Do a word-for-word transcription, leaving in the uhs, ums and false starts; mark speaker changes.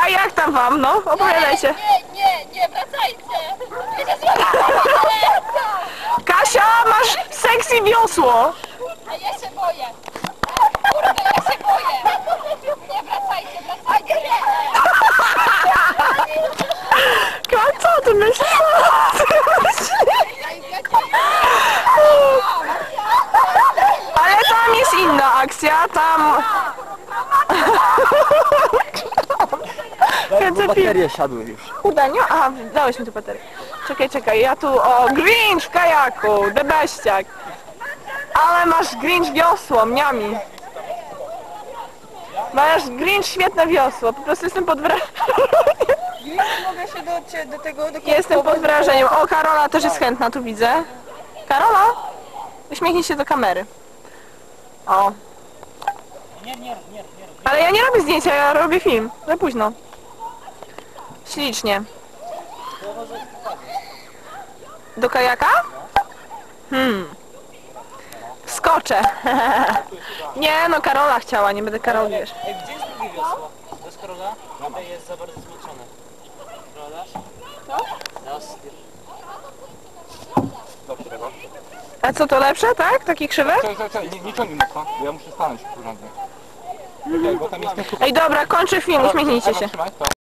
Speaker 1: A jak tam wam, no? Opowiadajcie.
Speaker 2: Nie, nie, nie, wracajcie! Wiecie co?
Speaker 1: Kasia, masz sexy wiosło.
Speaker 2: A ja się boję! Kurde, ja się boję! Nie, wracajcie, wracajcie!
Speaker 1: Co ty myślisz? Co ty myślisz? Ale tam jest inna akcja, tam...
Speaker 3: Bo baterie siadły już.
Speaker 1: Kurde, nie? Aha, dałeś mi tu baterię. Czekaj, czekaj, ja tu... O, Grinch w kajaku, debeściak. Ale masz Grinch wiosło, mniami. Masz Grinch świetne wiosło, po prostu jestem pod wrażeniem.
Speaker 4: Mogę się do, do tego... Do
Speaker 1: Jestem pod wrażeniem. O, Karola też jest chętna, tu widzę. Karola? Uśmiechnij się do kamery. O. Ale ja nie robię zdjęcia, ja robię film. Za późno. Ślicznie. Do kajaka? Hmm. Skoczę. Nie, no Karola chciała, nie będę Karol, wiesz.
Speaker 5: Ej, gdzie jest drugie wiosło? To jest Karola? Tutaj jest za bardzo zmęczone. Karola? Co? Raz.
Speaker 3: Dobrze, tego.
Speaker 1: A co to lepsze, tak? Takie krzywe?
Speaker 3: Czekaj, czekaj, czekaj, nie, nie ciągnij mocno, bo ja muszę stanąć porządnie. Czekaj, bo tam jest ten...
Speaker 1: Ej, dobra, kończę film, uśmiechnijcie się.
Speaker 3: Trzymaj, to.